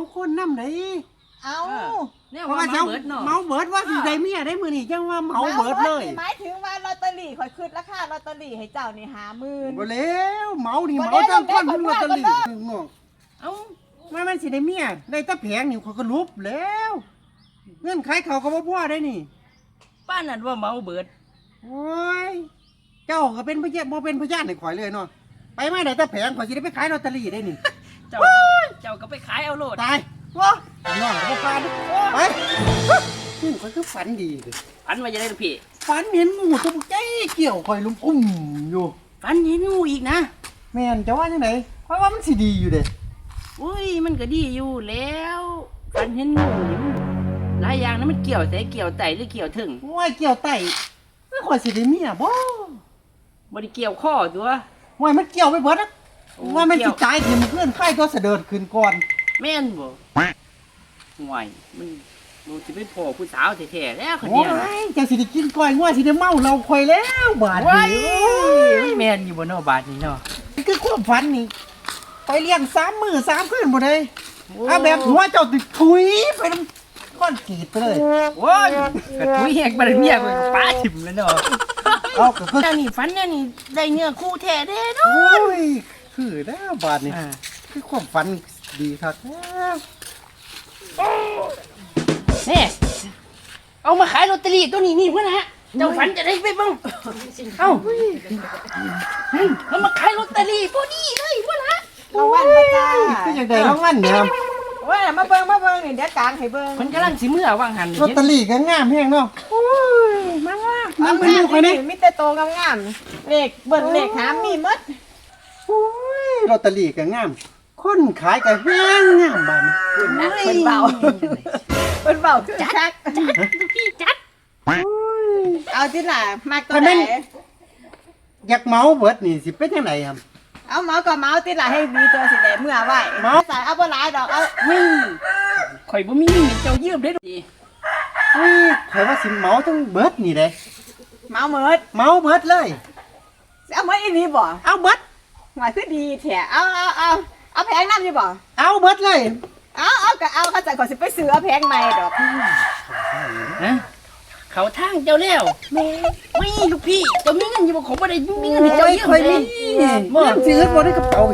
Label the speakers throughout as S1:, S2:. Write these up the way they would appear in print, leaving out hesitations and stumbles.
S1: คนนำได้
S2: เอา
S3: เนี่ยว่าเมาเบิดเนาะ
S1: เมาเบิดว่าสิได้เมียได้มื้อนี้จังว่าเมาเบิดเลย
S2: หมายถึงว่าลอตเตอรี่ข่อยขึ้นราคาลอตเตอรี่ให้เจ้านี่50,000
S1: บ่แล้วเมานี่เมาจังคนลอตเตอรี่น้อง
S3: เอ้า
S1: มันสิได้เมียได้แต่แผงนี่เขาก็ลุบแล้วเงินขายเขาก็บ่พอได้นี่
S3: ป้านั่นว่าเมาเบิด
S1: โอ้ยเจ้าก็เป็นพยานบ่เป็นพยานให้ข่อยเลยเนาะไปมาได้แต่แผงข่อยสิได้ไปขายลอตเตอรี่ได้นี่
S3: เจ้าก็ไปขายเอาโลด
S1: ตายว้าน้องบ่ฟันไปนี่ข่อยคือฝันดีเลย
S3: ฝันว่าจะได้พี่
S1: ฝันเห็นงูตัวใจเกี่ยวข่อยลุมอยู่
S3: ฝันเห็นงูอีกนะ
S1: แม่นจะว่าจังได๋เพราะว่ามันสิดีอยู่เด้
S3: อุ้ยมันก็ดีอยู่แล้วฝันเห็นงูนี่มันหลายอย่างนะมันเกี่ยวแต่เกี่ยวไตหรือเกี่ยวถึง
S1: ว่าเกี่ยวไตไม่ข่อยสิได้เมียบ่
S3: ได้เกี่ยวข้อตัว
S1: ว่ามันเกี่ยวไปเบิดนะว่ามันสิตายที่มันขึ้นไข้ตัวเสด็จขึ้นก่อน
S3: แม่นบ่ห่วยมันสิเป็นพ่อผู้สาวแท้ๆแล้วคนเนี้ย
S1: จังสิได้กินก้อยงัวสิได้เมาเราข่อยแล้วบาด
S3: นี้แม่นอยู่บ่เนาะบาดนี้เนาะ
S1: คือความฝันนี่ไปเลี้ยง3 มื้อ3 คืนบ่ได้เอาแบบหัวเจ้าติดถุยไปนำก้อนกีดไปเลย
S3: โอ้ยกระถุยแหกบ่ได้เมียกูป้าถิ่มแล้วเนาะ
S1: เอาก็คือ
S3: นี่ฝันเนี่ยนี่ได้เนื้อคู่แท้เด้เนาะ
S1: โอ้ยคือแล้วบาดนี้คือความฝันดีครับ
S3: นี่เอามาขายลอตเตอรี่ตัวนี้นี่เพื่อนฮะเจ้าฝันจะได้ไปบ้างเอ้าเอามาขายลอตเตอรี่ตัวนี้เลยเพื่อนฮะ
S2: รางวัลประจ้า
S1: คือจังได๋รางวัลเนี่ย
S2: ว่ามาเบิ่งนี่เดี๋ยวกลางให้เบิ่ง
S3: มันกำลังสิมื้อว่างหัน
S1: ลอตเตอรี่ก็งามแฮงเนาะโอ้ยมาว่ามันเป็นลูกนี่
S2: มีแต่โตงามๆเลขเบิ่งเลขหามีหมด
S1: โอ้ยลอตเตอรี่ก็งามคนขายก็แฮงงามบาดนี้
S2: คุณนะเพิ่นเบาจัด
S3: พี่จัด
S2: เอาที่ล่ะมากตัวไหน
S1: อยากเมาเบิดนี่สิเป็นจังไดครับ
S2: เอาเมาก็เมาที่ล่ะให้มีตัวสิได้เมื่อไว้ใส่เอาบ่หลายดอกเอา
S3: ข่อยบ่มีเจ้ายืมได้ดิ
S1: ข่อยว่าสิเมาทั้งเบิดนี่เด้
S2: เมาเบิ
S1: ดเลย
S2: เอาเบิดอีหลีบ่
S1: เอาเบิด
S2: หมายคือดีแท้เอาแพงนำอยู่บ่
S1: เอาเบิดเลย
S2: เอาก็เอาเขาจะขอสิไปซื้อเอาแพงใหม่ดอก
S3: ฮะเขาทางเจ้าแล้วไม่ลูกพี่เจ้ามีเงินอยู่บ่ขอบ่ได้มีเงินให้เจ้ายืมเลย
S1: บ่ซื้อบ่ได้กระเป๋า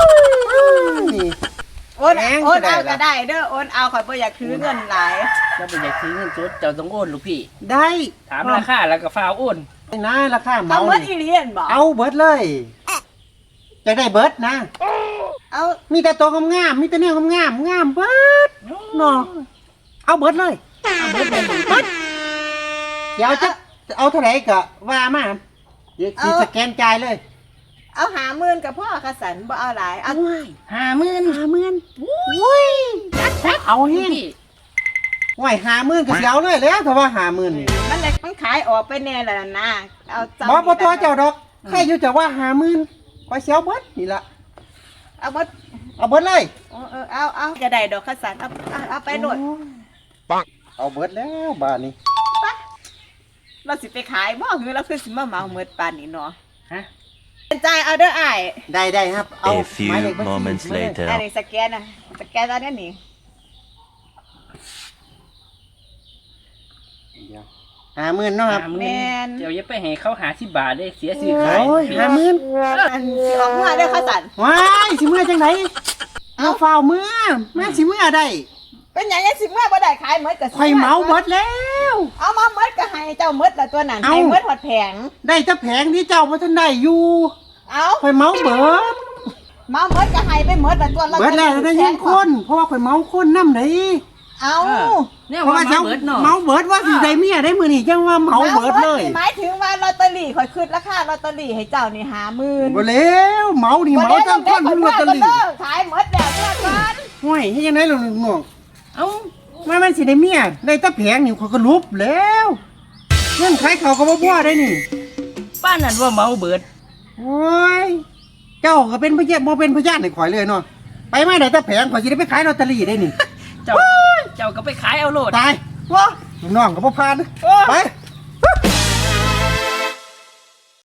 S2: โอนเอาก็ได้เด้อโอนเอาข่อยบ่อยากถือเงินหลาย
S3: เจ้าบ่อยากถือเงินสดเจ้าต้องโอนลูกพี่
S1: ได้
S3: ถามราคาแล้วก็ฟ้าโอน
S1: นะราคาเมา
S2: เอาเบิดอีหลีเห็นบ่
S1: เอาเบิดเลยจะได้เบิดนะ
S2: เอา
S1: มีแต่ตัวงามมีแต่แนวงามเบิดเนาะเอาเบิดเลย
S3: เบิด
S1: เดี๋ยวจะเอาเท่าไหร่ก็ว่ามาเดี๋ยวสิสแกนจ่ายเลย
S2: เอา50,000กับพ่อกระสันบ่เอาหลายเอา
S3: 50,000
S1: อุ้ยเอาเฮ็ดไหว50,000ก็สิเอาเลยแล้วถ้าว่า50,000นี่
S2: มันขายออกไปแน่แล้วนะเอา
S1: บ่ตัวเจ้าดอกแค่อยู่จะว่า50,000ข่อยสิเอาเบิดนี่ล่ะ
S2: เอาเบิ
S1: ดเลย
S2: เอาจะได้ดอกกระสันเอาไปโดด
S1: ปังเอาเบิดแล้วบาดนี้
S2: เราสิไปขายบ่คือเราคือสิมาเมาเมิดปานนี้เนาะฮะจ่ายเอาเด้ออ้าย
S1: ได้ครับเอา
S4: A few moments later
S2: อันนี้สแกนตอนนี้
S1: เดี๋ยว50,000เนาะครับ
S3: แม่นเดี๋ยวอย่าไปให้เขา50 บาทเด้เสียซื้อขาย
S1: โอ้ย50,000
S2: อันสิออกเมื่อเด้อเขาสั่น
S1: ว้ายสิเมื่อจังไดเอาฝ้าวเมื่อแม่สิเมื่อได้
S2: เป็นหยังสิเมื่อบ่ได้ขายหมดก็
S1: ข่อยเมาหมดแล้ว
S2: เอามาหมดก็ให้เจ้าหมดละตัวนั้นให้หมดหดแผง
S1: ได้แต่แผงที่เจ้าบ่ทันได้อยู่
S2: เอา
S1: ข่อยเมาเบิด
S2: หมดก็ให้ไปหมดละตัว
S1: เบิดแล้วได้ยังคนเพราะว่าข่อยเมาคนนำได้
S2: เอา
S3: เนี่ยว่าเบิดเนาะ
S1: เมาเบิดว่าสิได้เมียได้มื้อนี้จังว่าเมาเบิดเลย
S2: หมายถึงว่าลอตเตอรี่ข่อยขึ้นราคาลอตเตอรี่ให้เจ้านี่50,000
S1: บ่แล้วเมานี่เมาจังคนลอตเตอรี่
S2: ขายหมดแล้วเมื่อก่อน
S1: ห้วยเฮ็ดจังได๋ล่ะน้อง
S3: เอ้า
S1: มันสิได้เมียได้แต่แผงนี่ข่อยก็ลุบแล้วเงินขายเขาก็บ่พอได้นี่
S3: ป้านั่นว่าเมาเบิด
S1: โอ้ยเจ้าก็เป็นพยานบ่เป็นพยานให้ข่อยเลยเนาะไปมาได้แต่แผงข่อยสิได้ไปขายลอตเตอรี่ได้นี่
S3: เจ้าก็ไปขายเอาโลด
S1: ตายว้าน้องก็บ่ผ่านไป